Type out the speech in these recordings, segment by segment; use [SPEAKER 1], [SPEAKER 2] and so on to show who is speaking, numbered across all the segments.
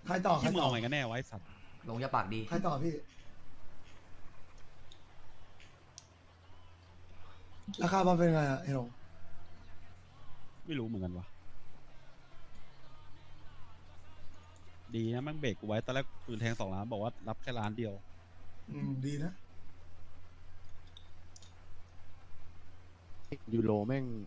[SPEAKER 1] ใครต่อใคร
[SPEAKER 2] ที่มึง
[SPEAKER 1] ต่อ
[SPEAKER 2] เอาไงกันแน่ไวะไอ้สัตว์
[SPEAKER 3] ลงอย่าปากดี
[SPEAKER 1] ใครต่อพี่ราคาบอลเป็นไงอะไอ้หลง
[SPEAKER 2] ไม่รู้เหมือนกันวะดีนะแม่งเบรกกูไว้ตอนแรกปืนแทง2 ล้านบอกว่ารับแค่ล้านเดียว
[SPEAKER 1] ดีนะ
[SPEAKER 4] ยูโรแม่ง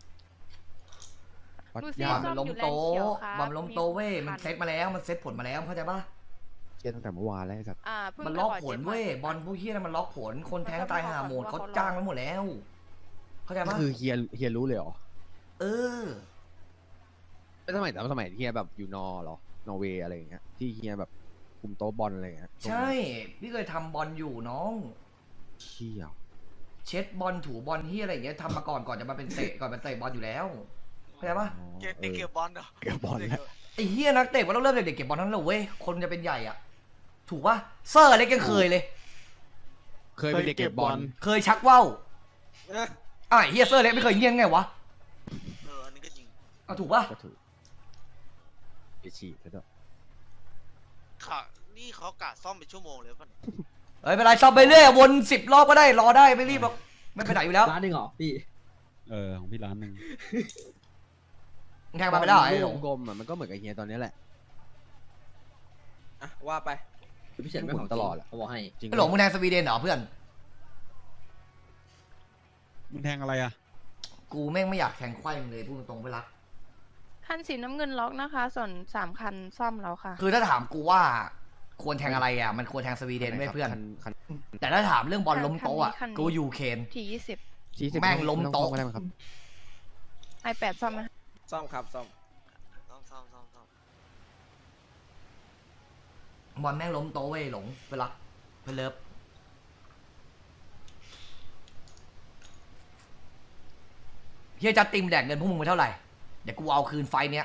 [SPEAKER 4] วัด
[SPEAKER 5] ดูสิ
[SPEAKER 4] ยา
[SPEAKER 3] บ
[SPEAKER 4] ก
[SPEAKER 3] อลมันล้มโต
[SPEAKER 5] ซ่อมอยู่แลนด์เขียวครับ
[SPEAKER 3] บอลล้มโตเว้ย
[SPEAKER 5] มี
[SPEAKER 3] มัน
[SPEAKER 5] คัน
[SPEAKER 3] เซตมาแล้วมันเซตผลมาแล้วเข้าใจปะ
[SPEAKER 4] เชียตั้งแต่เมื่อวานแล้วไอ้สัตว์
[SPEAKER 5] เพิ่ง
[SPEAKER 3] มัน
[SPEAKER 5] ไป
[SPEAKER 3] ล็อก
[SPEAKER 5] ข
[SPEAKER 3] ผล
[SPEAKER 5] จ๊
[SPEAKER 3] เว้ย
[SPEAKER 5] หม
[SPEAKER 3] บอลพวกเฮียนั่นมันล็อกผลคนแทงตายหาโหมดเขาจ้างไว้หมดแล้ว เข้าใจ
[SPEAKER 4] ก็
[SPEAKER 3] ปะ
[SPEAKER 4] คือเฮียรู้เลยเหรอ
[SPEAKER 3] เออ
[SPEAKER 4] ไม่สมัยเฮียแบบอยู่เหรอนอร์เวย์อะไรอย่างเงี้ยที่เฮียแบบคุมโต๊ะบอลอะไรอย่างเงี้ย
[SPEAKER 3] ใช่พี่เคยทำบอลอยู่น้อง
[SPEAKER 4] เชี่ย
[SPEAKER 3] เช็ดบอลถูบอลเฮียอะไรอย่างเงี้ยทำมาก่อนจะมาเป็นเตะก่อนเป็นเตะบอลอยู่แล้วเข้าใจปะ
[SPEAKER 4] อ๋อ
[SPEAKER 6] เก็บเก็บบอลเหรอ
[SPEAKER 4] เก็บบอลแล้ว
[SPEAKER 3] ไอ้เฮียนักเตะมันต้องเริ่มเด็กๆเก็บบอลนั้นเลยเว้ยคนจะเป็นใหญ่อ่ะถูกปะเซอร์เล็กยังเคยเลย
[SPEAKER 4] เคยเป็นเด็กเก็บบอล
[SPEAKER 3] เคยชักว่าว
[SPEAKER 6] เออ
[SPEAKER 3] ไอ้เฮียเซอร์เล็กไม่เคยเงี้ยงไงวะ
[SPEAKER 6] อันนี้ก็จริง
[SPEAKER 3] เอาถูกปะ
[SPEAKER 4] ก็ถูกไปฉีดแล้วด้วย
[SPEAKER 6] ค่ะนี่เขากะซ่อมเป็นชั่วโมงเลยป่ะ
[SPEAKER 3] เฮ้ยไม่เป็นไรชอบไปเรื่อยวน10 รอบก็ได้รอได้ไม่รีบหรอกไม่ไปไหนอยู่แล้ว
[SPEAKER 7] ร้านหนึ่งเหรอพี่
[SPEAKER 2] ของพี่ล้านหนึ่ง
[SPEAKER 3] มึงแทงมาไม่ได้เหรอไอ้หล
[SPEAKER 4] ลู
[SPEAKER 3] ง
[SPEAKER 4] กกลมอ่ะมันก็เหมือนกับเฮียตอนนี้แหละ
[SPEAKER 7] อ่ะว่าไปคือพี่เฉินไม่ของ
[SPEAKER 4] ตลอดอะ
[SPEAKER 7] เขาบอกให้
[SPEAKER 4] จริง
[SPEAKER 3] ไอ้หลงมึงแทงสวีเดนเหรอเพื่อน
[SPEAKER 2] มึงแทงอะไรอ่ะ
[SPEAKER 3] กูแม่งไม่อยากแทงไขว้มึงเลยพูดตรงๆไปรัก
[SPEAKER 5] คันสีน้ำเงินล็อกนะคะ ส่วน3 คันซ่อมแล้วค่ะ
[SPEAKER 3] คือถ้าถามกูว่าควรแทงอะไรอ่ะมันควรแทงสวีเดนไม่เพื่อน
[SPEAKER 4] คัน
[SPEAKER 3] แต่ถ้าถามเรื่องบอลล้มโต๊ะอ่ะ
[SPEAKER 5] คันนี้
[SPEAKER 3] กูยูเคน
[SPEAKER 5] ที่
[SPEAKER 4] ชี้สิบ
[SPEAKER 3] แม่งล้มโต๊ะ
[SPEAKER 4] ไต้องก็ได้มั้งครับ
[SPEAKER 5] 20 i8 ซ่อมไหม
[SPEAKER 7] ซ่อมครับซ่อม
[SPEAKER 6] ซ่อม
[SPEAKER 3] บอลแม่งล้มโต๊ะเว้ยหลงไปรักไปเลิฟเฮียจะติมแดกเงินพวกมึงไปเท่าไหร่เดี๋ยวกูเอาคืนไฟเนี้ย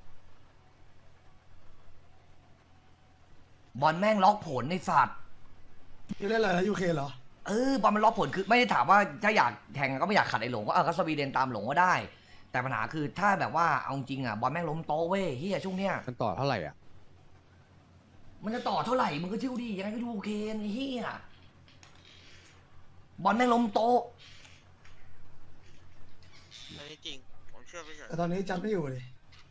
[SPEAKER 3] บอลแม่งล็อกผลในสัตว์
[SPEAKER 1] พี่เล่นอะไรนะยูเคเหรอ
[SPEAKER 3] บอลมันล็อกผลคือไม่ได้ถามว่าถ้าอยากแทงก็ไม่อยากขัดไอ้หลงก็สวีเดนตามหลงก็ได้ แต่ปัญหาคือถ้าแบบว่าเอาจริงอ่ะบอลแม่งล้มโต๊ะเว้ยเฮียช่วงเนี้ย
[SPEAKER 4] มันต่อเท่าไหร่อ่ะ
[SPEAKER 3] มันจะต่อเท่าไหร่มึงก็ชิวดียังไงก็ดูโอเคไอ้เฮียบอลแม่งล้มโต๊ะ
[SPEAKER 6] อันนี้จริงผมเชื่อพี่เฉย
[SPEAKER 1] แต่ตอนนี้จัดไม่อยู่เลย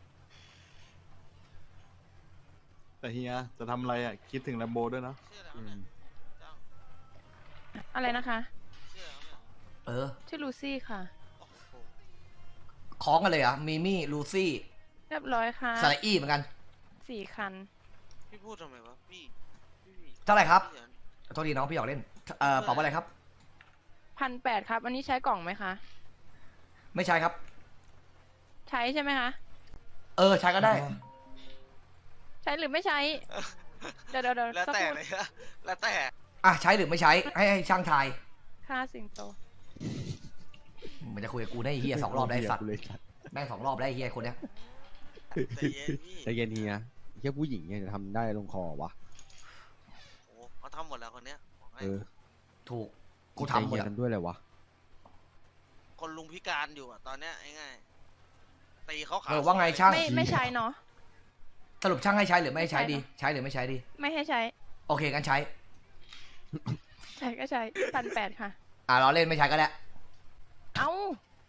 [SPEAKER 8] แต่เฮียจะทำอะไรอ่ะ คิดถึงแลมโบด้วยนะ
[SPEAKER 6] เชื่อแล้วเนี่ยจ้าง
[SPEAKER 5] อะไรนะคะ
[SPEAKER 6] เชื่อแล้วเนี่ย
[SPEAKER 5] ชื่อลูซี่ค่ะ
[SPEAKER 6] โอ้โห
[SPEAKER 3] คล้องกันเลยเหรอ่ะมีมี่ลูซี่
[SPEAKER 5] เรียบร้อยค่ะ
[SPEAKER 3] สไลอี้เหมือนกัน
[SPEAKER 5] 4 คัน
[SPEAKER 6] พี่พูดทำไมวะพี่
[SPEAKER 3] เท่าไหร่ครับ
[SPEAKER 6] พี่เฉิน
[SPEAKER 3] โทษทีน้องพี่อยากเล่นเปล่าว่าอะไรครับ
[SPEAKER 5] 1,800 ครับ อันนี้ใช้กล่องไหมคะ
[SPEAKER 3] ไม่ใช่ครับ
[SPEAKER 5] ใช้ใช่ไหมคะ
[SPEAKER 3] ใช้ก็ได้
[SPEAKER 5] ใช้หรือไม่ใช้ เดี๋ยว
[SPEAKER 6] แล้ว
[SPEAKER 5] สัก
[SPEAKER 6] แต่
[SPEAKER 5] ครู่
[SPEAKER 6] เลยนะแล้วแต่
[SPEAKER 3] ใช้หรือไม่ใช้ให้ช่างทาย
[SPEAKER 5] ค่าสิงโต
[SPEAKER 3] มันจะคุยกับกูได้ไอ้เฮีย2 รอบได้สัตว์
[SPEAKER 4] เลยสัตว์
[SPEAKER 3] แม่ง2 รอบได้ไอ้เฮียคนเนี้ย
[SPEAKER 6] ใจเย็นพี่
[SPEAKER 4] ใจเย็นเฮียเฮียผู้หญิงเนี่ยจะทำได้ลงคอวะ
[SPEAKER 6] โอ้โหเขาทำหมดแล้วคนเนี้ยบอกให้
[SPEAKER 4] เออ
[SPEAKER 3] ถูกกูทำหม
[SPEAKER 4] เฮี
[SPEAKER 3] ด
[SPEAKER 4] ย
[SPEAKER 3] อะ
[SPEAKER 4] ทำด้วยเลยวะ
[SPEAKER 6] คนลุงพิการอยู่อะตอนเนี้ยง่ายๆตีเขาขา
[SPEAKER 3] ว่าไงช่าง
[SPEAKER 5] ไม่ใช้เนาะ
[SPEAKER 3] สรุปช่างให้ใช้หรือไม่ให้ใช้ดี ใช้หรือไม่ใช้ดี
[SPEAKER 5] ไม่ให้ใช้
[SPEAKER 3] โอเคกันใช้
[SPEAKER 5] ใช้ก็ใช้ 1,800 ค่ะ
[SPEAKER 3] เราเล่นไม่ใช้ก็ได้
[SPEAKER 5] เอ้า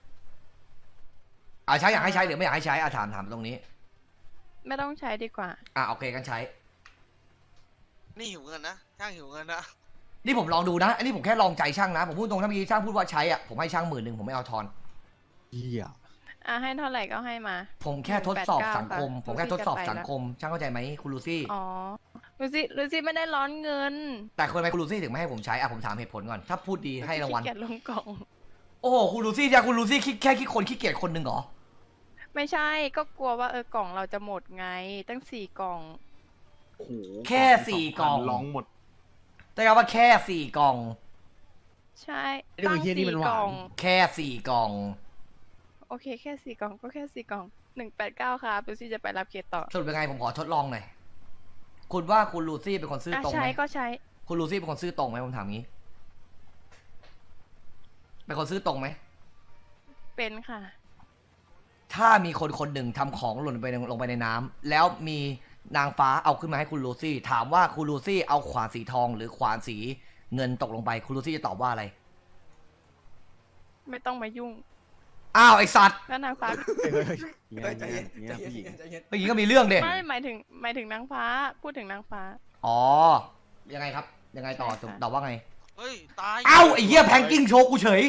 [SPEAKER 3] ใช้อยากให้ใช้หรือไม่อยากให้ใช้ถามตรงนี้
[SPEAKER 5] ไม่ต้องใช้ดีกว่า
[SPEAKER 3] โอเคกันใช้
[SPEAKER 6] นี่หิวเงินนะช่างหิวเงินนะ
[SPEAKER 3] นี่ผมลองดูนะ อันนี้ผมแค่ลองใจช่างนะ ผมพูดตรงถ้าเมื่อกี้ช่างพูดว่าใช้ผมให้ช่าง10,000ผมไม่เอาทอน
[SPEAKER 4] เฮีย
[SPEAKER 5] ให้เท่าไหร่ก็ให้มา
[SPEAKER 3] ผมแค่ทดสอบสังคม
[SPEAKER 5] 189
[SPEAKER 3] ผมแค่ทดสอบสังคม ช่างเข้าใจไหมคุณลูซี่
[SPEAKER 5] อ๋อ ลูซี่ไม่ได้ร้อนเงิน
[SPEAKER 3] แต่คนไหมคุณลูซี่ถึงไม่ให้ผมใช้ผมถามเหตุผลก่อน ถ้าพูดดีให้รางวัล
[SPEAKER 5] ขี้เกียจลงกล่อง
[SPEAKER 3] โอ้โหคุณลูซี่จะคุณลูซี่แค่คนขี้เกียจคนหนึ่งเหรอ
[SPEAKER 5] ไม่ใช่ ก็กลัวว่ากล่องเราจะหมดไง ตั้ง4 กล่อง
[SPEAKER 8] โอ้โห
[SPEAKER 3] แค่4 กล่อง
[SPEAKER 8] ร้องหมด
[SPEAKER 3] แต่ว่าแค่4 กล่อง
[SPEAKER 5] ใช่
[SPEAKER 4] ไอ้ตัวเฮียนี่มันหวา
[SPEAKER 5] กล่อน ง
[SPEAKER 3] แค่4 กล่อง
[SPEAKER 5] โอเคแค่4 กล่องก็แค่4 กล่อง189ครับลูซี่จะไปรับเคสต่อ
[SPEAKER 3] สรุปยังไงผมขอทดลองหน่อย คุณว่าคุณลูซี่เป็นคนซื่อตรงไห
[SPEAKER 5] ใช้
[SPEAKER 3] ม
[SPEAKER 5] ก็ใช้
[SPEAKER 3] คุณลูซี่เป็นคนซื่อตรงไหมผมถามงี้ เป็นคนซื่อตรงไหม
[SPEAKER 5] เป็นค่ะ
[SPEAKER 3] ถ้ามีคนคนหนึ่งทำของหล่นลงไปในน้ำแล้วมีนางฟ้าเอาขึ้นมาให้คุณลูซี่ ถามว่าคุณลูซี่เอาขวานสีทองหรือขวานสีเงินตกลงไปคุณลูซี่จะตอบว่าอะไร
[SPEAKER 5] ไม่ต้องมายุ่ง
[SPEAKER 3] อ้าวไอสัตว์
[SPEAKER 5] แล้วนางฟ้า
[SPEAKER 4] เงี้ยเงี้ยเงี้ยผู้หญิง
[SPEAKER 3] เมื่อกี้ก็มีเรื่องเด็
[SPEAKER 5] ไม่หมายถึงนางฟ้า พูดถึงนางฟ้า
[SPEAKER 3] อ๋อยังไงครับยังไงต่อ
[SPEAKER 5] ใช่ค่ะ
[SPEAKER 3] ตอบว่าไง
[SPEAKER 6] เฮ้ย ตาย
[SPEAKER 3] เอ้าไอเหี้ยแพงกิ้งโชว์กูเฉย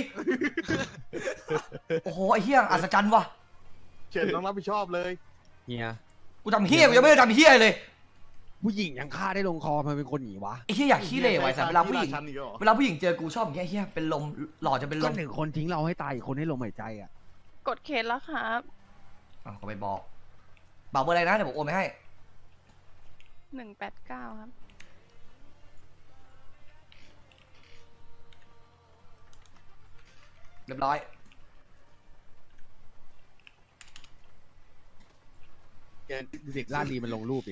[SPEAKER 3] โอ้โหไอเหี้ยอัศจรรย์ว่ะ
[SPEAKER 8] เฉินต้องรับผิดชอบเลย
[SPEAKER 4] เงี้ย
[SPEAKER 3] กูทำเหี้ยกูยังไม่ได้ทำเหี้ยเลย
[SPEAKER 4] ผู้หญิงยังฆ่าได้ลงคอมันเป็นคนหนีวะ
[SPEAKER 3] ไอเหี้ยอยากขี้เหร่ไว้สัตว์เวลาผู้หญิง
[SPEAKER 8] ที่รชันอีกแล้วเหรอ
[SPEAKER 3] เวลาผู้หญิงเจอกูชอบอย่างเงี้ยเหี้ยเป็นลมหล่อจะเป็นล
[SPEAKER 4] ก็
[SPEAKER 3] ม
[SPEAKER 4] หนึ่งคนทิ้งเราให้ตายอีกคนให้ลมหายใจอ่ะ
[SPEAKER 5] กดเคสแล้วครับ
[SPEAKER 3] อ่ะก็ไปบอกเบอร์อะไรนะเดี๋ยวผมโอนไปให้
[SPEAKER 5] 189 ครับ
[SPEAKER 3] เรียบร้อย
[SPEAKER 4] เด็กล่าดีมันลงรูปดิ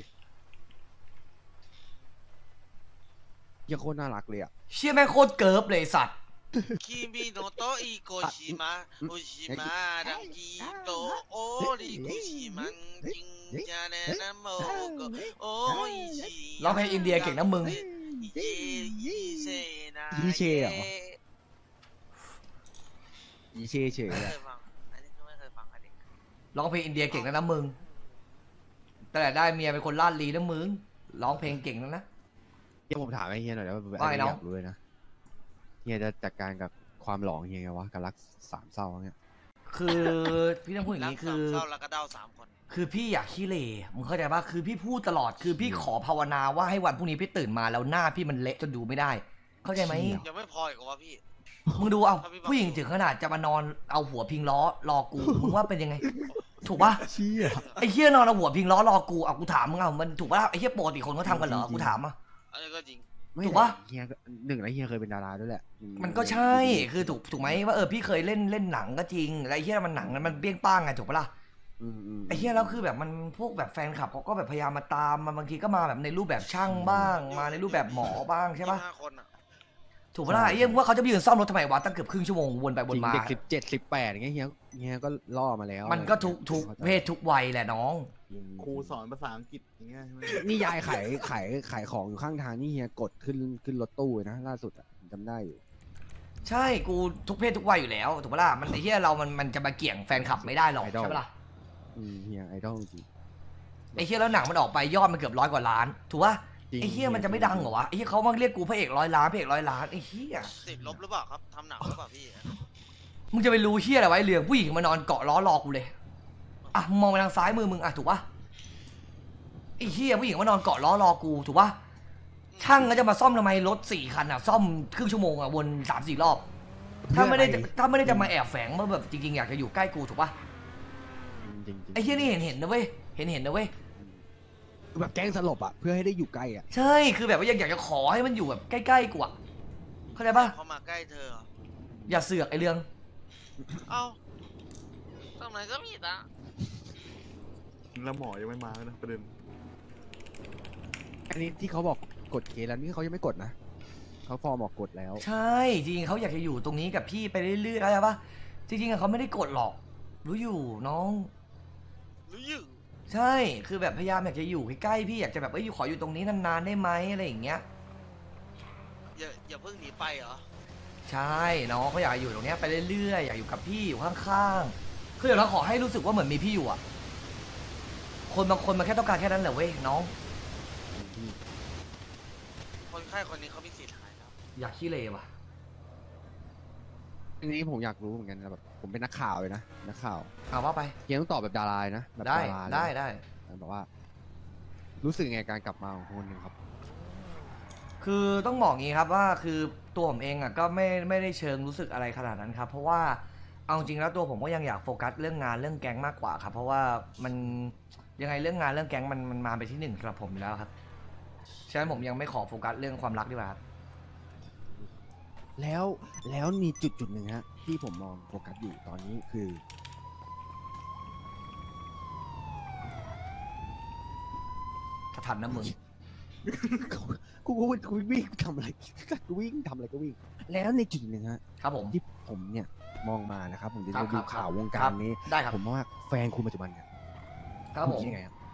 [SPEAKER 4] เหี้ยังโคตรน่ารักเลยอ่ะ
[SPEAKER 3] เชี่ยแม่งโคตรเกิร์ฟเลยไอ้สัตว์
[SPEAKER 6] คิมิโนโตะอิโกชิมะโอชิมะดังกิโตะโอริคุชิมังจิงจาเนนะโมโกโออิชิ
[SPEAKER 3] ร้องเพลงอินเดียเก่งนะมึง
[SPEAKER 6] อิเยอิเซนะ
[SPEAKER 4] อีเช่เหรอ อีเช่เฉย
[SPEAKER 6] ไม่
[SPEAKER 4] ๆ
[SPEAKER 6] เค
[SPEAKER 4] อะ
[SPEAKER 6] ยฟัง อันนี้ก็ไม่เคยฟังอันนี้
[SPEAKER 3] ร้องเพลงอินเดียเก่งนะมึง แต่ได้เมียเป็นคนลาดลีนะมึง ร้องเพลงเก่งนะ
[SPEAKER 4] เดี๋ยวผมถามไอ้เฮียหน่อยนะว่า
[SPEAKER 3] ว่าไงน้อง
[SPEAKER 4] อยากรู้เลยนะเฮียจะจัดการกับความหลองเฮียไงวะกับรักสามเศร้าเงี้ย
[SPEAKER 3] คือพี่ต้องพูดอย่าง
[SPEAKER 6] รัก
[SPEAKER 3] นี้
[SPEAKER 6] สา
[SPEAKER 3] คื
[SPEAKER 6] ม
[SPEAKER 3] อ
[SPEAKER 6] เศร้าแล้วก็เด้า3 คน
[SPEAKER 3] คือพี่อยากขี้เหร่มึงเข้าใจปะคือพี่พูดตลอด คือพี่ขอภาวนาว่าให้วันพรุ่งนี้พี่ตื่นมาแล้วหน้าพี่มันเละจนดูไม่ได้ เข้าใจไหม
[SPEAKER 6] ยังไม่พออีกเหรอวะพี่
[SPEAKER 3] มึงดูเอา
[SPEAKER 6] ถ้าพี่บอก
[SPEAKER 3] ผู้หญิงถึงขนาดจะมานอนเอาหัวพิงล้อรอกู มึงว่าเป็นยังไง ถูกปะ
[SPEAKER 4] เชี่ย
[SPEAKER 3] ไอ้เหี้ยนอนเอาหัวพิงล้อรอกูเอากูถามมึงเอามันถูกปะไอ้เหี้ยปกติคนเขาทำกันเหรอ กูถามอ่ะ
[SPEAKER 6] อันนี้ก็จริง
[SPEAKER 4] ไม่
[SPEAKER 3] ถูกปะ
[SPEAKER 4] เฮียก็หนึ่งแล้วเฮียเคยเป็นดาราด้วยแหละ
[SPEAKER 3] มันก็ใช่ คือถูกไหมว่าพี่เคยเล่นหนังก็จริงแล้วไอ้เหี้ยมันหนังนั้นมันเปี้ยงป้างไงถูกปะล่ะ ไอ้เหี้ยแล้วคือแบบมันพวกแบบแฟนคลับเขาก็แบบพยายามมาตามมาบางทีก็มาแบบในรูปแบบช่างบ้าง มาในรูปแบบหมอบ้างใช่ปะ
[SPEAKER 6] 25 คนอ่ะ
[SPEAKER 3] ถูกปะล่ะไอ้เหี้ยว่าเขาจะไปยืนซ่อมรถทำไมวะตั้งเกือบครึ่งชั่วโมงวนไปว
[SPEAKER 4] จริ
[SPEAKER 3] น
[SPEAKER 4] ง
[SPEAKER 3] มา
[SPEAKER 4] เด็ก17 18อย่างเงี้ยเฮียก็ล่อมาแล้ว
[SPEAKER 3] มันก็ทุกเพศทุกวัยแหละน้อง
[SPEAKER 8] ครูสอนภาษาอังกฤษอย่างเงี้ยใช่ไหม
[SPEAKER 4] นี่ยายขายของอยู่ข้างทางนี่เฮียกดขึ้นรถตู้เลยนะล่าสุดอะผมจำได้อยู่
[SPEAKER 3] ใช่กูทุกเพศทุกวัยอยู่แล้วถูกปะล่ะมันไอ้เหี้ยเรามันจะมาเกี่ยงแฟนคลับไม่ได้หรอก
[SPEAKER 4] ไอดอล
[SPEAKER 3] ใช่ปะล่ะ
[SPEAKER 4] เฮียไอดอลจริง
[SPEAKER 3] ไอ้เหี้ยแล้วหนังมันออกไปยอดมันเกือบ100 กว่าล้าน ถูกปะ
[SPEAKER 4] จริง
[SPEAKER 3] ไอ้เหี้ยมันจะไม่ดังเหรอวะไอ้เหี้ยเขามาเรียกกูพระเอก100 ล้านพระเอก100 ล้านไอ้เหี้ย
[SPEAKER 6] ติดลบหรือเปล่าครับ ทำหนังหรือเปล่าพี่
[SPEAKER 3] มึงจะไปรู้เหี้ยอะไรไว้เรื่องผู้หญิงมานอนเกาะล้อรอกูเลยอ่ะมึงมองไปทางซ้ายมือมึงอ่ะถูกปะไอ้เหี้ยผู้หญิงมานอนเกาะล้อรอกูถูกปะช่างก็จะมาซ่อมทำไมรถ4 คันอ่ะซ่อมครึ่งชั่วโมงอ่ะวน3-4 รอบ ถ้าไม่ได้จะมาแอบแฝงมาแบบจริงๆอยากจะอยู่ใกล้กูถูกปะ
[SPEAKER 4] จริง
[SPEAKER 3] ไอ้เหี้ยนี่เห็นนะเว้ยเห็นนะเว้ย
[SPEAKER 4] คือแบบแกล้งสลบอ่ะเพื่อให้ได้อยู่ใกล้อ่ะ
[SPEAKER 3] ใช่คือแบบว่าอยากจะขอให้มันอยู่แบบใกล้ๆกูอ่ะเข้าใจปะ
[SPEAKER 6] เขามาใกล้เธอเหรอ
[SPEAKER 3] อย่าเสือกไอ้เรื่อง
[SPEAKER 6] เอ้าตรงไหนก็มีนะ
[SPEAKER 8] แล้วหมอยังไม่มาเลยนะประเด็น
[SPEAKER 4] อันนี้ที่เขาบอกกดเคสแล้วนี่เขายังไม่กดนะเขาฟอร์มออกกดแล้ว
[SPEAKER 3] ใช่จริงๆเขาอยากจะอยู่ตรงนี้กับพี่ไปเรื่อยๆเข้าใจปะจริงๆอะเขาไม่ได้กดหรอก รู้อยู่น้อง
[SPEAKER 6] หรืออยู่
[SPEAKER 3] ใช่คือแบบพยายามอยากจะอยู่ใกล้ๆพี่อยากจะแบบอยู่ขออยู่ตรงนี้นานๆได้ไหมอะไรอย่างเงี้ย
[SPEAKER 6] อย่าเพิ่งหนีไปเหรอ
[SPEAKER 3] ใช่น้องเขาอยากอยู่ตรงเนี้ยไปเรื่อยๆอยากอยู่กับพี่อยู่ข้างๆคือเดี๋ยวเราขอให้รู้สึกว่าเหมือนมีพี่อยู่อะคนบางคนมันแค่ต้องการแค่นั้นแหละเว้ยน้อง
[SPEAKER 6] คนไข้คนนี้เขามีสิทธิ์หายแล้ว
[SPEAKER 3] อยากขี้เลว่ะ
[SPEAKER 4] อันนี้ผมอยากรู้เหมือนกันนะแบบผมเป็นนักข่าวเลยนะนักข่าว
[SPEAKER 3] เอาว่าไป
[SPEAKER 4] เฮียต้องตอบแบบดาราเลยนะแบบ
[SPEAKER 3] ได้
[SPEAKER 4] ดาราเลย
[SPEAKER 3] ได้
[SPEAKER 4] แบบว่า รู้สึกไงการกลับมาของคนหนึ่งครับ
[SPEAKER 3] คือต้องบอกงี้ครับว่าคือตัวผมเองอ่ะก็ไม่ได้เชิงรู้สึกอะไรขนาดนั้นครับเพราะว่าเอาจริงแล้วตัวผมก็ยังอยากโฟกัสเรื่องงานเรื่องแก๊งมากกว่าครับเพราะว่ามันยังไงเรื่องงานเรื่องแก๊งมันมาไปที่หนึ่งสำหรับผมอยู่แล้วครับฉะนั้นผมยังไม่ขอโฟกัสเรื่องความรักดีกว่าครับ
[SPEAKER 4] แล้วมีจุดหนึ่งฮะที่ผมมองโฟกัสอยู่ตอนนี้คือ
[SPEAKER 3] ถ้าทันนะมึง
[SPEAKER 4] กูวิ่งทำอะไรกูวิ่งทำอะไรก็วิ่ง แล้วในจุดหนึ่งฮะ
[SPEAKER 3] ครับผม
[SPEAKER 4] ที่ผมเนี่ยมองมานะครับผมจะ
[SPEAKER 3] ครับ
[SPEAKER 4] ดู
[SPEAKER 3] ครับ
[SPEAKER 4] ข่าววงกา
[SPEAKER 3] ครั
[SPEAKER 4] ร
[SPEAKER 3] บ
[SPEAKER 4] นี้
[SPEAKER 3] ได้ครับ
[SPEAKER 4] ผมว่าแฟนคุณปัจจุบันเนี่ย
[SPEAKER 3] ครับผม
[SPEAKER 4] ณคิดยังไงครับ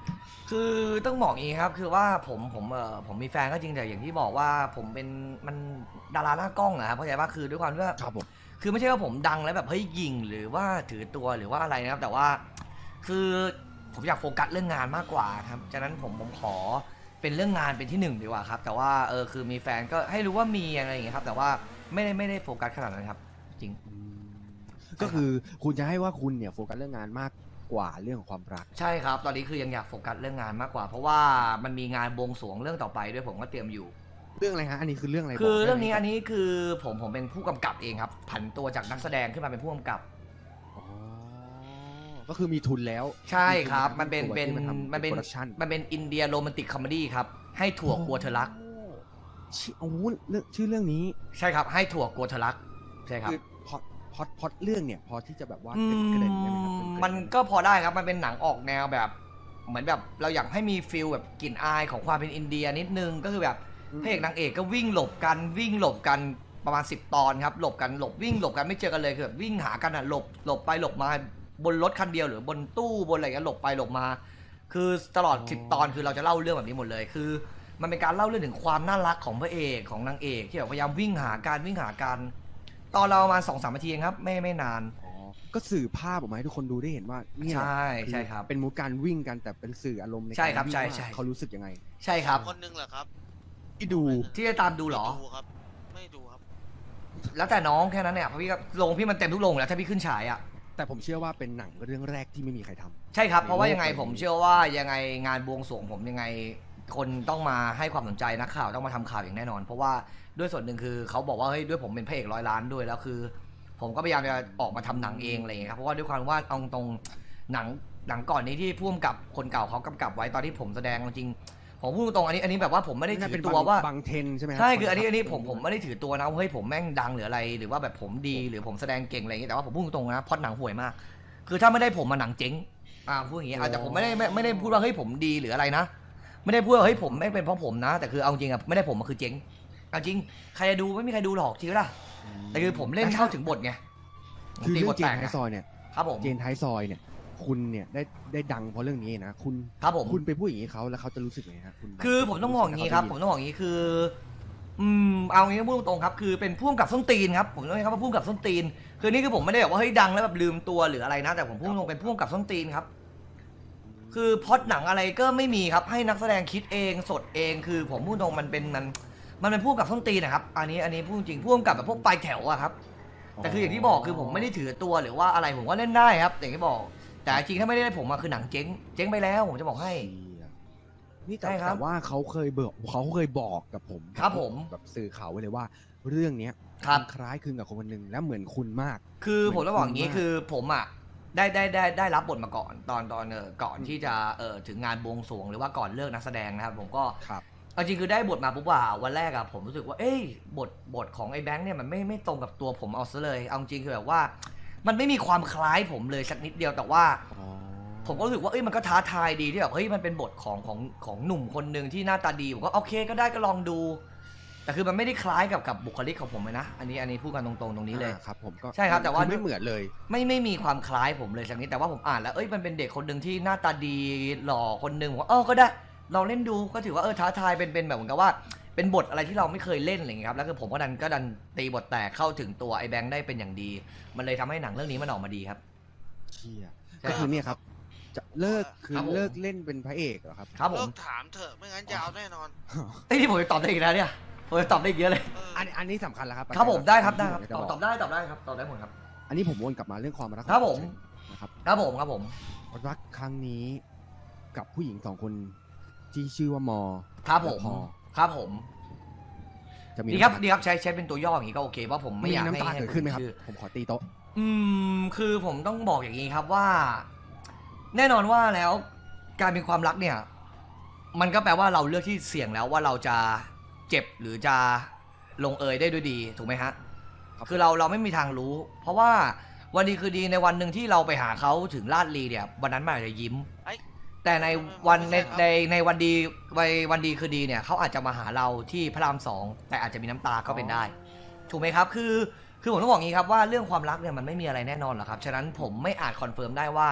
[SPEAKER 3] คือต้องบอกอย่างนี้ครับคือว่าผมมีแฟนก็จริงแต่อย่างที่บอกว่าผมเป็นมันดาราหน้ากล้องอะครับเข้าใจป่ะคือด้วยความที่ว่า
[SPEAKER 4] ครับผม
[SPEAKER 3] คือไม่ใช่ว่าผมดังแล้วแบบเฮ้ยยิงหรือว่าถือตัวหรือว่าอะไรนะครับ แต่ว่าคือผมอยากโฟกัสเรื่องงานมากกว่าครับฉะนั้นผมขอเป็นเรื่องงานเป็นที่หนึ่งดีกว่าครับแต่ว่าคือมีแฟนก็ให้รู้ว่ามีอะไรอย่างเงี้ยครับแต่ว่าไม่ได้โฟกัสขนาดนั้นครับจริง
[SPEAKER 4] ก็คือคุณจะให้ว่าคุณเนี่ยโฟกัสเรื่องงานมากกว่าเรื่องของความรัก
[SPEAKER 3] ใช่ครับตอนนี้คือยังอยากโฟกัสเรื่องงานมากกว่า เพราะว่ามันมีงานบวงสรวงเรื่องต่อไปด้วยผมก็เตรียมอยู่
[SPEAKER 4] เรื่องอะไรฮะอันนี้คือเรื่องอะไร
[SPEAKER 3] คือบ
[SPEAKER 4] กได้ไหม
[SPEAKER 3] เรื่องนี้อันนี้คือผมเป็นผู้กำกับเองครับผันตัวจากนักแสดงขึ้นมาเป็นผู้กำกับ
[SPEAKER 4] อ๋อก็คือมีทุนแล้ว
[SPEAKER 3] ใช่ครับ
[SPEAKER 4] ทุ
[SPEAKER 3] มันเป็น
[SPEAKER 4] ตัวที่าทำ
[SPEAKER 3] มันเป็น
[SPEAKER 4] โปรดักชั่น
[SPEAKER 3] มันเป็นอินเดียโรแมนติกคอมเมดี้ครับให้ถั่วกลัวเธอรัก
[SPEAKER 4] โอ้โหชื่อเรื่องนี้
[SPEAKER 3] ใช่ครับให้ถั่วกลัวเธอรักใช่ครับ
[SPEAKER 4] คือพอดเรื่องเนี่ยพอที่จะแบบว่า
[SPEAKER 3] อื
[SPEAKER 4] เกรินได้ไหมครับ
[SPEAKER 3] ม
[SPEAKER 4] เกริ่
[SPEAKER 3] มันก็พอได้ครับมันเป็นหนังออกแนวแบบ เหมือนแบบเราอยากให้มีฟิลแบบกลิ่นอายของความเป็นอินเดียนิดนึงก็คือแบบพระเอกนางเอกก็วิ่งหลบกันประมาณ10 ตอนครับหลบกันหลบวิ่งหลบกันไม่เจอกันเลยคือแบบวิ่งหากันอ่ะหลบไปหลบมาบนรถคันเดียวหรือบนตู้บนอะไรกันหลบไปหลบมา คือตลอด10 ตอนคือเราจะเล่าเรื่องแบบนี้หมดเลยคือ มันเป็นการเล่าเรื่องถึงความน่ารักของพระเอกของนางเอกที่แบบพยายามวิ่งหากันตอนเราประมาณ2-3 นาทีเองครับไม่นาน
[SPEAKER 4] อ๋อก็สื่อภาพออกมาให้ทุกคนดูได้เห็นว่าเนี่ย
[SPEAKER 3] ใช่ใช่ครับ
[SPEAKER 4] เป็นมูการวิ่งกันแต่เป็นสื่ออารมณ์ใน
[SPEAKER 3] ใช่
[SPEAKER 4] การ
[SPEAKER 3] ครับ
[SPEAKER 4] วิ่ง
[SPEAKER 3] ใช่
[SPEAKER 4] ว่า
[SPEAKER 3] ใช่
[SPEAKER 4] เขารู้สึกยังไง
[SPEAKER 3] ใช่ครับ
[SPEAKER 6] คนหนึงเหรอครับ
[SPEAKER 4] ที่ดู
[SPEAKER 3] ที่จะตามดูเหรอ
[SPEAKER 6] ไม่ดูครับ ไม่ดูครับ
[SPEAKER 3] แล้วแต่น้องแค่นั้นเนี่ยเพราะพี่ก็ลงพี่มันเต็มทุกโรงอยู่แล้วถ้าพี่ขึ้นฉายอ่ะ
[SPEAKER 4] แต่ผมเชื่อว่าเป็นหนังเรื่องแรกที่ไม่มีใครทำ
[SPEAKER 3] ใช่ครับเพราะว่า
[SPEAKER 4] ในโลก
[SPEAKER 3] ยังไง
[SPEAKER 4] ใบนี้
[SPEAKER 3] ผมเชื่อว่ายังไงงานบวงสรวงผมยังไงคนต้องมาให้ความสนใจนักข่าวต้องมาทำข่าวอย่างแน่นอน เพราะว่าด้วยส่วนหนึ่งคือเขาบอกว่าเฮ้ยด้วยผมเป็นพระเอก100 ล้านด้วยแล้วคือ ผมก็พยายามจะออกมาทำหนังเองอะไรอย่างเงี้ยครับเพราะว่าด้วยความว่าเอาตรงหนังก่อนนี้ที่พ่วงกับคนเก่าเขากำกับไว้ตอนที่ผมแสดงจริงผมพูดตรงอันนี้แบบว่าผมไม่ได้
[SPEAKER 4] น่า
[SPEAKER 3] ถื
[SPEAKER 4] เป็
[SPEAKER 3] อน ตัวว่า
[SPEAKER 4] บางเทนใช่ไหมรับ
[SPEAKER 3] ใช่คืออันนี้ผมไม่ได้ถือตัวนะว่าเฮ้ยผมแม่งดังหรืออะไร หรือว่าแบบผมดีหรือผมแสดงเก่งอะไรอย่างเงี้ยแต่ว่าผมพูดตรงๆนะพล็อตหนังห่วยมาก คือถ้าไม่ได้ผมมาหนังเจ๊งพูดอย่างงี้แต่ผมไม่ได้พูดว่าเฮ้ยผมดีหรืออะไรนะ ไม่ได้พูดว่าเฮ้ยผมไม่เป็นเพราะผมนะ แต่คือเอาจริงอะไม่ได้ผมมันคือเจ๊งเอาจริงใครจะดูไม่มีใครดูหรอกจริงป่ะแต่คือผมเล่นเข้าถึงบทไง
[SPEAKER 4] คือ
[SPEAKER 3] ตี
[SPEAKER 4] เรื่
[SPEAKER 3] บ
[SPEAKER 4] อง
[SPEAKER 3] ท
[SPEAKER 4] เจ
[SPEAKER 3] แต
[SPEAKER 4] น
[SPEAKER 3] ก
[SPEAKER 4] ท้ายซอยเนี่ย
[SPEAKER 3] ครับผม
[SPEAKER 4] เจนท้ายซอยเนี่ย คุณเนี่ยได้ดังเพราะเรื่องนี้นะคุณ
[SPEAKER 3] ครับผม
[SPEAKER 4] คุณไปพูดอย่างนี้เขาแล้วเขาจะรู้สึกไงฮะคุณ
[SPEAKER 3] คือผมต้องบอกอย่างนี้ครับผมต้องบอกอย่างนี้คือเอางี้พูดตรงๆครับคือเป็นพ่วงกับส้นตีนครับผมต้องใช้คำว่าพ่วงกับส้นตีนคือนี่คือผมไม่ได้แบบว่าเฮ้ยดังแล้วแบบลืมตัวหรืออะไรนะ แต่ผมพูดตรงๆเป็นพ่วงกับส้นตีนครับคือพล็อตหนังอะไรก็ไม่มีครับให้นักแสดงคิดเองสดเองคือผมพูดตรงมันเป็นพ่วงกับส้นตีนนะครับอันนี้พูดจริงพ่วงกับแบบพวกปลายแถวอะครับแต่คืออย่างที่บอกคือผมไม่ได้ถือตัวหรือว่าอะไรผมก็เล่นได้ครับอย่างที่บอกแต่จริงถ้าไม่ได้ผมมาคือหนังเจ๊งไปแล้วผมจะบอกให้
[SPEAKER 4] นี่
[SPEAKER 3] ใช่ครับ
[SPEAKER 4] แต่ว่าเขาเคยบอกกับผม
[SPEAKER 3] ครับผม
[SPEAKER 4] แบบสื่อข่าวไว้เลยว่า เรื่องเนี้ย
[SPEAKER 3] ครับ
[SPEAKER 4] มันคล้ายคลึงกับคนคนหนึ่งและเหมือนคุณมาก
[SPEAKER 3] คือผมต้องบอกอย่างนี้
[SPEAKER 4] เหมือน
[SPEAKER 3] คือผมอ่ะได้รับบทมาก่อนตอนก่อนที่จะถึงงานบวงสรวงหรือว่าก่อนเลิกนักแสดงนะครับผมก็
[SPEAKER 4] ครับ
[SPEAKER 3] เอาจริงคือได้บทมาปุ๊บว่าวันแรกอะผมรู้สึกว่าเอ้ยบทของไอ้แบงค์เนี่ยมันไม่ตรงกับตัวผมเอาซะเลยเอาจริงคือแบบว่า มันไม่มีความคล้ายผมเลยสักนิดเดียวแต่ว่า ผมก็รู้สึกว่าเอ้ยมันก็ท้าทายดีที่แบบเฮ้ยมันเป็นบทของหนุ่มคนหนึ่งที่หน้าตาดีผมก็โอเคก็ได้ก็ลองดู แต่คือมันไม่ได้คล้ายกับบุคลิกของผมเลยนะอันนี้พูดกันตรงๆตรงนี้เลย
[SPEAKER 4] ครับผมก็
[SPEAKER 3] ใช่ครับแต่ว่า
[SPEAKER 4] อไม่เหมือนเลย
[SPEAKER 3] ไม่มีความคล้ายผมเลยสักนิดแต่ว่าผมอ่านแล้วเอ้ยมันเป็นเด็กคนหนึ่งที่หน้าตาดีหล่อคนหนึ่งผมว่าก็ได้ลองเล่นดูก็ถือว่าท้าทายเป็นแบบเหมือนกับว่าเป็นบทอะไรที่เราไม่เคยเล่นอะไรอย่างเงี้ยครับแล้วคือผมก็ดันตีบทแตกเข้าถึงตัวไอ้แบงค์ได้เป็นอย่างดี มันเลยทำให้หนังเรื่องนี้มันออกมาดีครับ
[SPEAKER 4] เชี่ย
[SPEAKER 3] ใช่
[SPEAKER 4] ก็คือเนี่ยครับ จะเลิกคือ
[SPEAKER 3] ครับผม
[SPEAKER 4] เลิกเล่นเป็นพระเอกเหรอครับ
[SPEAKER 3] ครับผ
[SPEAKER 6] เลิ
[SPEAKER 3] ม
[SPEAKER 6] กถามเถอะ ไม่งั้นยาวแน่นอน
[SPEAKER 3] ไอ้ยนี่ผมจะตอบได้อีกแล้วเนี่ยผมจะตอบได้อีกเยอะเลย
[SPEAKER 6] เออ
[SPEAKER 4] อันนี้สำคัญแล้วครับ
[SPEAKER 3] ครับผมได้ครับได้ครับ
[SPEAKER 4] ที่ผม
[SPEAKER 3] ต
[SPEAKER 4] จะ
[SPEAKER 3] อบได้ครับตอบได้หมดครับ
[SPEAKER 4] อันนี้ผมวนกลับมาเรื่องความรัก
[SPEAKER 3] ครับผม
[SPEAKER 4] นะครับ
[SPEAKER 3] ครับผม
[SPEAKER 4] รักครั้งนี้กับผู้หญิง2 คนที่ชื่อว่ามอ
[SPEAKER 3] ครับผม
[SPEAKER 4] และพอ
[SPEAKER 3] ครับผม
[SPEAKER 4] จะมี
[SPEAKER 3] ดีครับใช้เป็นตัวย่ออย่างนี้ก็โอเคเพราะผมไม่
[SPEAKER 4] มี
[SPEAKER 3] อยาก
[SPEAKER 4] น้ำตา
[SPEAKER 3] ให้
[SPEAKER 4] เกิดขึ้นไหมครับ
[SPEAKER 3] ชื่อ
[SPEAKER 4] ผมขอตีโต๊ะ
[SPEAKER 3] คือผมต้องบอกอย่างนี้ครับว่า แน่นอนว่าแล้วการมีความรักเนี่ย มันก็แปลว่าเราเลือกที่เสี่ยงแล้วว่าเราจะเจ็บหรือจะลงเอยได้ด้วยดีถูกไหมฮะ
[SPEAKER 4] ครับ
[SPEAKER 3] คือเราไม่มีทางรู้ เพราะว่าวันดีคือดีในวันหนึ่งที่เราไปหาเขาถึงลาดลีเนี่ยวันนั้นมันอาจจะยิ้ม
[SPEAKER 6] ไอ้
[SPEAKER 3] แต่ในวันในวันดีคือดีเนี่ยเขาอาจจะมาหาเราที่พระราม2แต่อาจจะมีน้ำตาก็เป็นได้ ถูกไหมครับคือผมต้องบอกงี้ครับว่าเรื่องความรักเนี่ยมันไม่มีอะไรแน่นอนหรอกครับฉะนั้นผมไม่อาจคอนเฟิร์มได้ว่า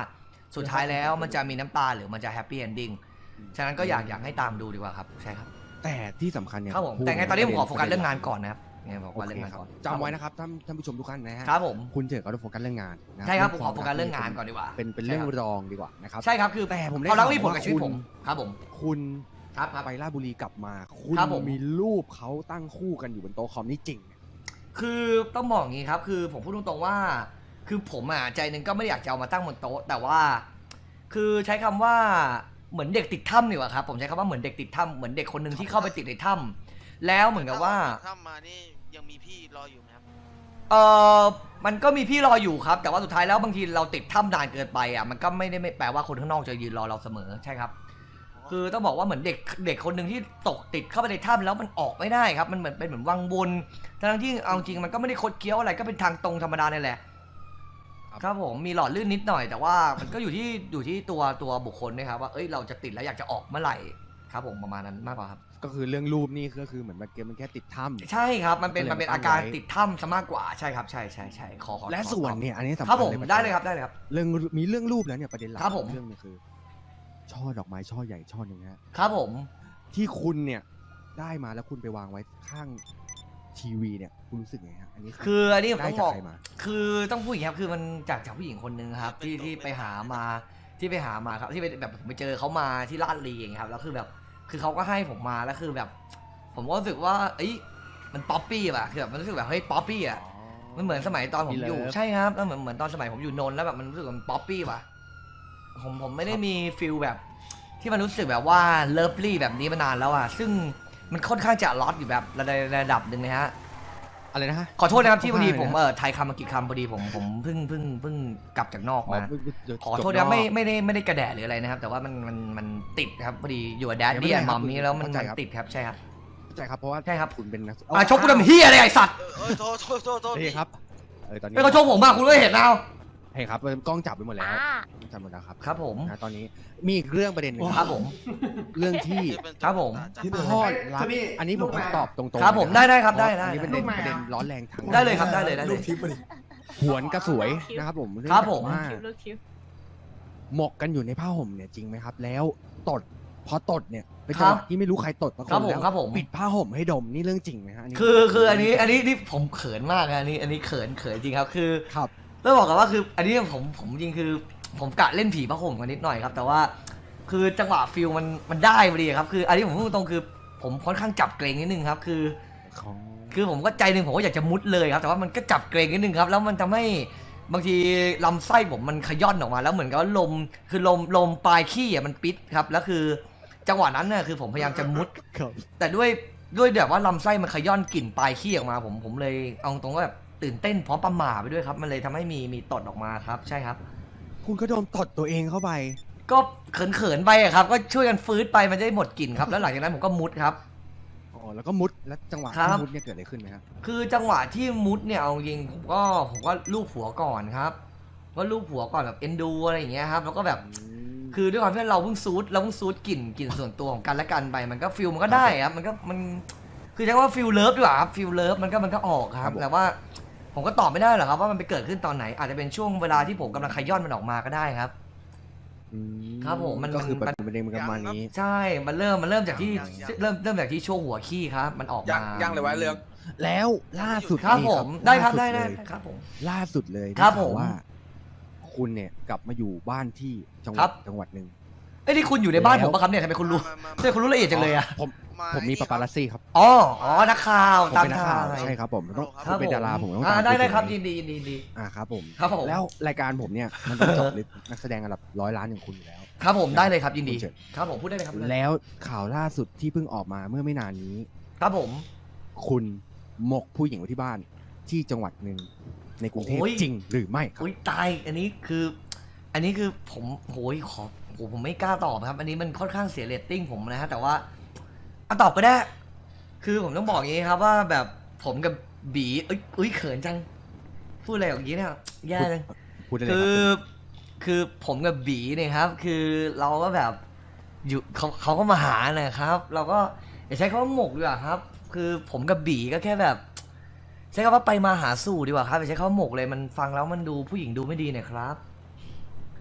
[SPEAKER 3] สุดท้ายแล้วมันจะมีน้ำตาหรือมันจะแฮปปี้เอนดิ้งฉะนั้นก็อยากให้ตามดูดีกว่าครับใช่ครับ
[SPEAKER 4] แต่ที่สำคัญเนี่ย
[SPEAKER 3] ครับผม
[SPEAKER 4] พูด
[SPEAKER 3] แต่ไงตอนนี้ผมขอ
[SPEAKER 4] ป
[SPEAKER 3] โฟ
[SPEAKER 4] ระ
[SPEAKER 3] กั
[SPEAKER 4] ด็
[SPEAKER 3] สเรื่องงานก่อนนะครับไงบอก
[SPEAKER 4] โอ
[SPEAKER 3] ว่า
[SPEAKER 4] เค
[SPEAKER 3] เรื่องงาน
[SPEAKER 4] ครับ
[SPEAKER 3] ก่อน
[SPEAKER 4] จำไว้นะครับท่านผู้ชมทุกท่านนะฮะ
[SPEAKER 3] ครับผม
[SPEAKER 4] คุณเจอก็ต้องโฟกัสเรื่องงานนะ
[SPEAKER 3] ใช่ครับผม
[SPEAKER 4] เง
[SPEAKER 3] ขอโฟกัสเรื่องงานก่อนดีกว่า
[SPEAKER 4] เป็นเรื่องรองดีกว่านะครับ
[SPEAKER 3] ใช่ครับคือ
[SPEAKER 4] แต่ผมได้
[SPEAKER 3] เขารักมีผล
[SPEAKER 4] ข่าวว่า
[SPEAKER 3] กับชีวิต
[SPEAKER 4] คุณ
[SPEAKER 3] ผมครับผม
[SPEAKER 4] คุณ
[SPEAKER 3] ครับ
[SPEAKER 4] ไปราชบุรีกลับมา คุณ
[SPEAKER 3] ครับผม
[SPEAKER 4] มีรูปเขาตั้งคู่กันอยู่บนโต๊ะคอมนี่จริงไหม
[SPEAKER 3] คือต้องบอกอย่างนี้ครับคือผมพูดตรงๆว่า คือผมอ่ะใจหนึ่งก็ไม่ได้อยากจะเอามาตั้งบนโต๊ะแต่ว่า คือใช้คำว่าเหมือนเด็กติดถ้ำดีกว่าครับผมใช้คำว่าเหมือนเด็กติดถ้ำเหมือนเด็กคนหนึ่งที่เข้าไปติดในถ้ำแล้วเหมือนกับว่า
[SPEAKER 6] ถ้ามานี่ยังมีพี่รออยู่ไหมครับ
[SPEAKER 3] เออมันก็มีพี่รออยู่ครับ แต่ว่าสุดท้ายแล้วบางทีเราติดถ้ำนานเกินไปอ่ะมันก็ไม่ได้แปลว่าคนข้างนอกจะยืนรอเราเสมอใช่ครับ คือต้องบอกว่าเหมือนเด็กคนหนึ่งที่ตกติดเข้าไปในถ้ำแล้วมันออกไม่ได้ครับมันเหมือนเป็นเหมือนวังวนทั้งที่เอาจริงมันก็ไม่ได้คดเคี้ยวอะไรก็เป็นทางตรงธรรมดานี่แหละครับผมมีหลอดลื่นนิดหน่อยแต่ว่ามันก็อยู่ที่ตัวบุคคลนะครับว่าเอ้ยเราจะติดแล้วอยากจะออกเมื่อไหร่ครับผมประมาณนั้นมากกว่าครับ
[SPEAKER 4] ก็คือเรื่องรูปนี่ก็คือเหมือนมันแค่ติดถ้ำ
[SPEAKER 3] ใช่ครับมันเป็น
[SPEAKER 4] ก็เลย
[SPEAKER 3] มันเป็น
[SPEAKER 4] ตั้
[SPEAKER 3] อาง การ
[SPEAKER 4] ไว้
[SPEAKER 3] ติดถ้ำซะมากกว่าใช่ครับใช่ขอ
[SPEAKER 4] และส่วนเนี่ยอันนี้สำ
[SPEAKER 3] ครับ
[SPEAKER 4] คัญ
[SPEAKER 3] ผม
[SPEAKER 4] เลย
[SPEAKER 3] ได้เลยครับได้เลยครับ
[SPEAKER 4] เรื่องมีเรื่องรูปแล้วเนี่ยประเด็นหลัก
[SPEAKER 3] ครับผม
[SPEAKER 4] เรื่องนึงคือ ช่อดอกไม้ช่อใหญ่ช่อหนึ่งฮะ
[SPEAKER 3] ครับผม
[SPEAKER 4] ที่คุณเนี่ยได้มาแล้วคุณไปวางไว้ข้างทีวีเนี่ยคุณรู้สึกไงฮะอันนี้
[SPEAKER 3] คืออันนี้ผม
[SPEAKER 4] ได้
[SPEAKER 3] ต้อง
[SPEAKER 4] จาก
[SPEAKER 3] บอก
[SPEAKER 4] ใครมา
[SPEAKER 3] คือต้องพูดอย่างนี้ครับคือมันจากผู้หญิงคนหนึ่งครับที่ไปหามาครับที่ไปแบบผมไปเจอเขามาที่ลาดลีเองครับแล้วคือแบบคือเขาก็ให้ผมมาแล้วคือแบบ ผมก็รู้สึกว่าเอ้ยมันป๊อปปี้ป่ะคือแบบมันรู้สึกแบบเฮ้ยป๊อปปี้อ่ะมันเหมือนสมัยตอนผมอยู่
[SPEAKER 4] มีเลิฟ
[SPEAKER 3] ใช่ครับแล้วเหมือนตอนสมัยผมอยู่นนท์แล้วแบบมันรู้สึกว่ามันป๊อปปี้ป่ะผมไม่ได้มีฟิลแบบ ที่มันรู้สึกแบบว่าเลิฟลี่แบบนี้มานานแล้วอ่ะซึ่งมันค่อนข้างจะล็อตอยู่แบบระดับหนึ่งนะฮะ
[SPEAKER 4] อะไรนะฮะ
[SPEAKER 3] ขอโทษนะครับที่พอดีผม
[SPEAKER 4] ว่าไงนะ
[SPEAKER 3] ไทยคำมากี่คำพอดีผมเพิ่งกลับจากนอก
[SPEAKER 4] อ๋อ
[SPEAKER 3] มา
[SPEAKER 4] เดี๋ยว
[SPEAKER 3] ขอโทษ
[SPEAKER 4] จ
[SPEAKER 3] นะ
[SPEAKER 4] บ
[SPEAKER 3] ไม่ได้กระแดะหรืออะไรนะครับ แต่ว่ามันติดครับพอดีอยู่กับแดด
[SPEAKER 4] ไม่
[SPEAKER 3] ดี้
[SPEAKER 4] เป็นไร
[SPEAKER 3] มั
[SPEAKER 4] ครับ
[SPEAKER 3] มนี้แล้วมัน
[SPEAKER 4] เข้าใจครับ
[SPEAKER 3] ติดครับใช่ครับ
[SPEAKER 4] เข้าใจครับเพราะว่า
[SPEAKER 3] ใช่ครับ
[SPEAKER 4] คุณเป็นนัก
[SPEAKER 3] ชกกูทำเฮียอะไรไอ้สัตว์
[SPEAKER 6] โทษ
[SPEAKER 4] นี่ครับตอนนี้
[SPEAKER 3] ไม่เขาชกผมมากคุณก็เห็นเอา
[SPEAKER 4] เฮ้ยครับกล้องจับไปหมดแล้วจับหมดแล้วครับ
[SPEAKER 3] ครับผม
[SPEAKER 4] นะตอนนี้มีอีกเรื่องประเด็นหนึง
[SPEAKER 3] ครับผม
[SPEAKER 4] เรื่องที่
[SPEAKER 3] ครับผม
[SPEAKER 4] ทอดรับอันนี้ผมต้องตอบตรงๆ
[SPEAKER 3] ครับผม
[SPEAKER 4] นะ
[SPEAKER 3] ได้ครับได้
[SPEAKER 4] เพาะอันนี้เป็น
[SPEAKER 3] ได้
[SPEAKER 4] ประเด็นร้อนแรงทาง
[SPEAKER 3] ได้เลยครับได้เลย
[SPEAKER 1] ลูกทิพย์มาดิ
[SPEAKER 4] หวนกระสวยนะครับผม
[SPEAKER 3] ครับผม
[SPEAKER 4] ว่า
[SPEAKER 5] คิวลูกคิว
[SPEAKER 4] หมกกันอยู่ในผ้าห่มเนี่ยจริงไหมครับ แล้วตดพอตดเนี่ยเป็นจังหวะที่ไม่รู้ใครตดมาค
[SPEAKER 3] ครับ
[SPEAKER 4] น
[SPEAKER 3] ผม
[SPEAKER 4] แล้ว
[SPEAKER 3] ครับผม
[SPEAKER 4] ปิดผ้าห่มให้ดมนี่เรื่องจริงไหมฮะนนี้
[SPEAKER 3] คืออันนี้นี่ผมเขินมากนะอันนี้เขินจริงครับคือ
[SPEAKER 4] ครับ
[SPEAKER 3] ต้องบอกกันว่าคืออันนี้ผมจริงคือผมกะเล่นผีผ้าห่มกันนิดหน่อยครับแต่ว่าคือจังหวะฟิลมันได้พอดีครับคืออันนี้ผมพูดตรงๆคือผมค่อนข้างจับเกรงนิดนึงครับคือผมก็ใจหนึ่งผมก็อยากจะมุดเลยครับแต่ว่ามันก็จับเกรงนิดนึงครับแล้วมันทำให้บางทีลำไส้ผมมันขย้อนออกมาแล้วเหมือนกับว่าลมปลายขี้อ่ะมันปิดครับแล้วคือจังหวะนั้นน่ะคือผมพยายามจะมุด
[SPEAKER 4] ครับ
[SPEAKER 3] แต่ด้วยแบบว่าลำไส้มันขย้อนกลิ่นปลายขี้ออกมาผมเลยเอาตรงว่าแบบตื่นเต้นพร้อมประหม่าไปด้วยครับมันเลยทำให้มีตดออกมาครับใช่ครับ
[SPEAKER 4] คุณก็โดนตดตัวเองเข้าไป
[SPEAKER 3] ก็เขินๆไปอะครับก็ช่วยกันฟื้นไปมันจะได้หมดกลิ่นครับแล้วหลังจากนั้นผมก็มุดครับ
[SPEAKER 4] อ๋อแล้วก็มุดแล้วจังหวะ
[SPEAKER 3] ครั
[SPEAKER 4] ที่
[SPEAKER 3] บ
[SPEAKER 4] มุดเนี่ยเกิดอะไรขึ้นไหมครับ
[SPEAKER 3] คือจังหวะที่มุดเนี่ยเอาจริงผมก็ลูบหัวก่อนครับก็ลูบหัวก่อนแบบเอ็นดูอะไรอย่างเงี้ยครับแล้วก็แบบคือด้วยความที่เราเพิ่งซูดกลิ่นส่วนตัวของกันและกันไปมันก็ฟิลมันก็ได้ครับมันคือใช้คำว่าฟิลเลิฟดีกว่าครับฟิลเลิฟมันก็ออกครับแต่ว่าผมก็ตอบไม่ได้หรอกครับว่ามันไปเกิดขึ้นตอนไหน อาจจะเป็นช่วงเวลาที่ผมกำลังขย้อนมันออกมาก็ได้ครับ ครับผมมัน
[SPEAKER 4] ก็คือ
[SPEAKER 3] มัน
[SPEAKER 4] ประเด็นมันประมาณนี้
[SPEAKER 3] ใช่มันเริ่มจากที่เริ่มจากที่ช่วงหัวขี้ครับ มันออก
[SPEAKER 7] ยัง
[SPEAKER 3] มา
[SPEAKER 7] ยังเลยวะเรื่อง
[SPEAKER 4] แล้วล่าสุด
[SPEAKER 3] ครับ
[SPEAKER 4] นี่
[SPEAKER 3] ผมได้ครับ
[SPEAKER 4] ล่า
[SPEAKER 3] ได้
[SPEAKER 4] สุเลย
[SPEAKER 3] ครับผม
[SPEAKER 4] ล่าสุดเลย
[SPEAKER 3] ครับ
[SPEAKER 4] ได้ข่าว
[SPEAKER 3] ผม
[SPEAKER 4] ว่า คุณเนี่ยกลับมาอยู่บ้านที่จังห
[SPEAKER 3] ครั
[SPEAKER 4] วัด
[SPEAKER 3] บ
[SPEAKER 4] จังหวัดหนึ่ง
[SPEAKER 3] เอ้ยนี่คุณอยู่ในบ้าน
[SPEAKER 4] แล้ว
[SPEAKER 3] ผมปะครับเนี่ยทำไมคุณรู้ทำไมคุณรู้ละเอียดจังเลยอะ
[SPEAKER 4] ผมมีปาปารัสซี่ครับ
[SPEAKER 3] อ๋อนักข่าว
[SPEAKER 4] ผม
[SPEAKER 3] ตาม
[SPEAKER 4] เป็นนัก
[SPEAKER 3] ทา
[SPEAKER 4] ข่าง วใช่ครับผมต้อง
[SPEAKER 3] ครับ
[SPEAKER 4] เป็นดาราผมต้อง
[SPEAKER 3] อ่า
[SPEAKER 4] ตาม
[SPEAKER 3] ได้ครับ
[SPEAKER 4] ณ
[SPEAKER 3] ยินดี
[SPEAKER 4] ครับผม
[SPEAKER 3] ครับผม
[SPEAKER 4] แล้วรายการผมเนี่ยมันต้องเจาะลึกนักแสดงระดับ100 ล้านอย่างคุณอยู่แล้ว
[SPEAKER 3] ครับผมได้เลยครับยินดี
[SPEAKER 4] คุณเฉิน
[SPEAKER 3] ครับผมพูดได้เลยครับ
[SPEAKER 4] แล้วข่าวล่าสุดที่เพิ่งออกมาเมื่อไม่นานนี้
[SPEAKER 3] ครับผม
[SPEAKER 4] คุณหมกผู้หญิงไว้ที่บ้านที่จังหวัดหนึ่งในกรุงเทพ
[SPEAKER 3] โอ้ย
[SPEAKER 4] จริงหรือไม่ครับ
[SPEAKER 3] อุ้ยตายอันนี้คือผมโหยผมไม่กล้าตอบครับ อันนี้มันค่อนข้างเสียเรตติ้งผมนะฮะแต่ว่าเอาตอบก็ได้ คือผมต้องบอกอย่างนี้ครับว่าแบบผมกับบีเอ้ยเขินจังพูดอะไรอย่างนี้เนี่ยแย่เลย
[SPEAKER 4] พูดได้เลย
[SPEAKER 3] คื
[SPEAKER 4] ค
[SPEAKER 3] อ
[SPEAKER 4] รับ
[SPEAKER 3] คือผมกับบีเนี่ยครับ คือเราก็แบบอยู่เขาก็มาหานะครับ เราก็อย่าใช้คำว่าหมกดีกว่าครับ คือผมกับบีก็แค่แบบ ใช้คำว่าไปมาหาสู่ดีกว่าครับอย่าใช้คำว่าหมกเลยมันฟังแล้วมันดูผู้หญิงดูไม่ดีหน่อยครับ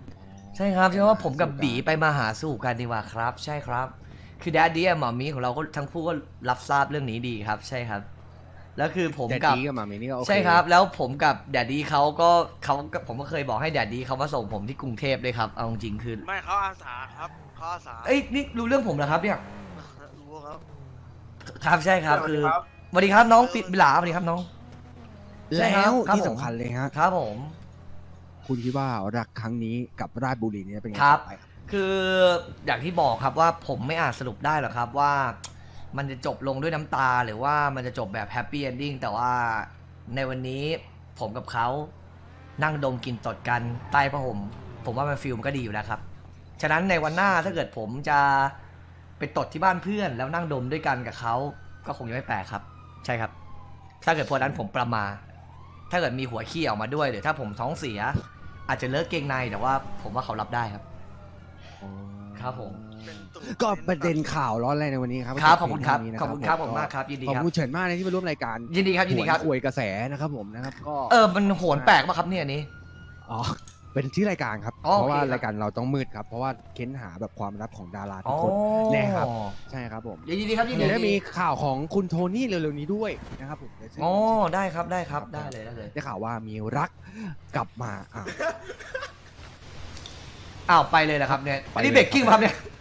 [SPEAKER 3] ใช่ครับใช่ว่าผมกับบีไปมาหาสู่กันดีกว่าครับ ใช่ครับ คือแดดดี้หมอมีของเราก็ทั้งคู่ก็รับทราบเรื่องนี้ดีครับ ใช่ครับ แล้วคือผม
[SPEAKER 4] แต่
[SPEAKER 3] กับ
[SPEAKER 4] ดีกับหมามีนี่ก็โอเค
[SPEAKER 3] ใช่ครับ แล้วผมกับแดดดี้เขาก็ผมก็เคยบอกให้แดดดี้เขามาส่งผมที่กรุงเทพเลยครับเอาจริงๆคือ
[SPEAKER 6] ไม่เขาอาสาครับเขาอาสา
[SPEAKER 3] เอ้ยนี่รู้เรื่องผมเหรอครับเนี่ย
[SPEAKER 6] รู้ครับ
[SPEAKER 3] ครับใช่ครับคือสวัสดีครับน้องปิดบิลาสวัสดีครับน้อง ใช่ค
[SPEAKER 4] แล้
[SPEAKER 3] รับ
[SPEAKER 4] ว
[SPEAKER 3] ครับ
[SPEAKER 4] ที่
[SPEAKER 3] ผม
[SPEAKER 4] สำคัญเลยฮะ
[SPEAKER 3] ครับผม
[SPEAKER 4] คุณคิดว่ารักครั้งนี้กับราชบุรีเนี่ยเป็นไง
[SPEAKER 3] ครับ
[SPEAKER 4] ต่อไปครับ
[SPEAKER 3] คืออย่างที่บอกครับว่าผมไม่อาจสรุปได้หรอกครับว่ามันจะจบลงด้วยน้ำตาหรือว่ามันจะจบแบบแฮปปี้เอนดิ้งแต่ว่าในวันนี้ผมกับเขานั่งดมกลินตดกันใต้ผ้าห่มผมว่ามันฟิลมันก็ดีอยู่แล้วครับ ฉะนั้นในวันหน้าถ้าเกิดผมจะไปตดที่บ้านเพื่อน แล้วนั่งดมด้วยกันกับเขาก็คงจะไม่แปลกครับ ใช่ครับ ถ้าเกิดพอนั้นผมประมาทถ้าเกิดมีหัวขี้ออกมาด้วยหรือถ้าผมท้องเสีย อาจจะเลิกเกงในแต่ว่าผมว่าเขารับได้ครับ ครับผม
[SPEAKER 6] เป็นตู่
[SPEAKER 4] ก็ประเด็นข่าวร้อนแรงในวันนี้ครับ
[SPEAKER 3] ครับขอบคุณครับ
[SPEAKER 4] เกี่ยว
[SPEAKER 3] ขอบคุณครับผมมากครับยินดี
[SPEAKER 4] ขอบ
[SPEAKER 3] ครับ
[SPEAKER 4] คุณเฉินมากเลยที่มาร่วมรายการ
[SPEAKER 3] ยินดีครับยินดีครับ
[SPEAKER 4] หวนคุยกระแสนะครับผมนะครับก็
[SPEAKER 3] มันโหนแปลกป่ะครับเนี่ยอันนี้
[SPEAKER 4] อ๋อเป็นที่รายการครับ
[SPEAKER 3] อ๋อ
[SPEAKER 4] เพราะว่า
[SPEAKER 3] โอเคครับ
[SPEAKER 4] รายการเราต้องมืดครับ เพราะว่าเค้นหาแบบความลับของดาราทุ
[SPEAKER 3] อ๋
[SPEAKER 4] ก
[SPEAKER 3] อ
[SPEAKER 4] คนแน่ครับ ใช่ครับผม
[SPEAKER 3] ยินดีครับยินดี
[SPEAKER 4] เดี๋ยวได้มีข่าวของคุณโทนี่เร็วๆนี้ด้วยนะครับผม
[SPEAKER 3] อ๋อได้ครับได้ครับได้เลยได้เลย
[SPEAKER 4] ได้ข่าวว่ามีรักกลับมา
[SPEAKER 3] อ้าวไปเลยนะครับเนี่ย
[SPEAKER 4] ไป
[SPEAKER 3] อันนี้
[SPEAKER 4] เลย
[SPEAKER 3] เบรกกิ้งป่ะครับเนี่ย